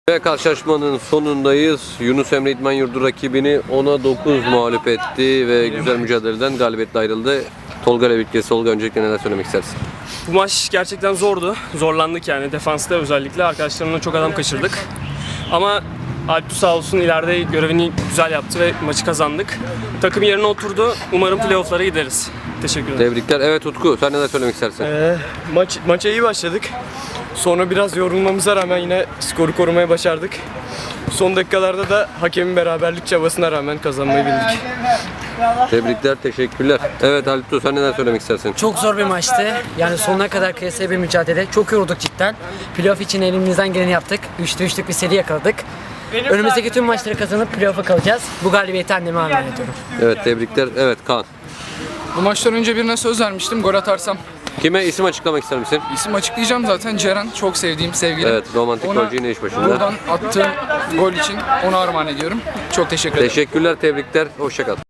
Ve karşılaşmanın sonundayız. Yunus Emre İdman Yurdu rakibini 10'a 9 mağlup etti ve güzel mücadeleden galibiyetle ayrıldı. Tolga ile birlikte. Tolga, öncelikle neler söylemek istersin? Bu maç gerçekten zordu. Zorlandık yani defansta özellikle. Arkadaşlarımla çok adam kaçırdık. Ama Alptu sağ olsun ileride görevini güzel yaptı ve maçı kazandık. Takım yerine oturdu. Umarım playoff'lara gideriz. Teşekkür ederim. Tebrikler. Evet Utku, sen neler söylemek istersin? Maça iyi başladık. Sonra biraz yorulmamıza rağmen yine skoru korumaya başardık. Son dakikalarda da hakemin beraberlik çabasına rağmen kazanmayı bildik. Tebrikler, teşekkürler. Evet Alptu, sen neler söylemek istersin? Çok zor bir maçtı. Yani sonuna kadar kıyasaya bir mücadele. Çok yorulduk cidden. Playoff için elimizden geleni yaptık. 3'te 3'lük bir seri yakaladık. Önümüzdeki tüm maçları kazanıp playoff'a kalacağız. Bu galibiyeti anneme armağan ediyorum. Evet, tebrikler. Evet Kaan. Bu maçtan önce birine söz vermiştim, gol atarsam. Kime isim açıklamak ister misin? İsim açıklayacağım zaten, Ceren, çok sevdiğim sevgilim. Evet, romantik Ona golcü yine iş başında. buradan attığım gol için ona armağan ediyorum. Çok teşekkür ederim. Teşekkürler, tebrikler. Hoşça kal.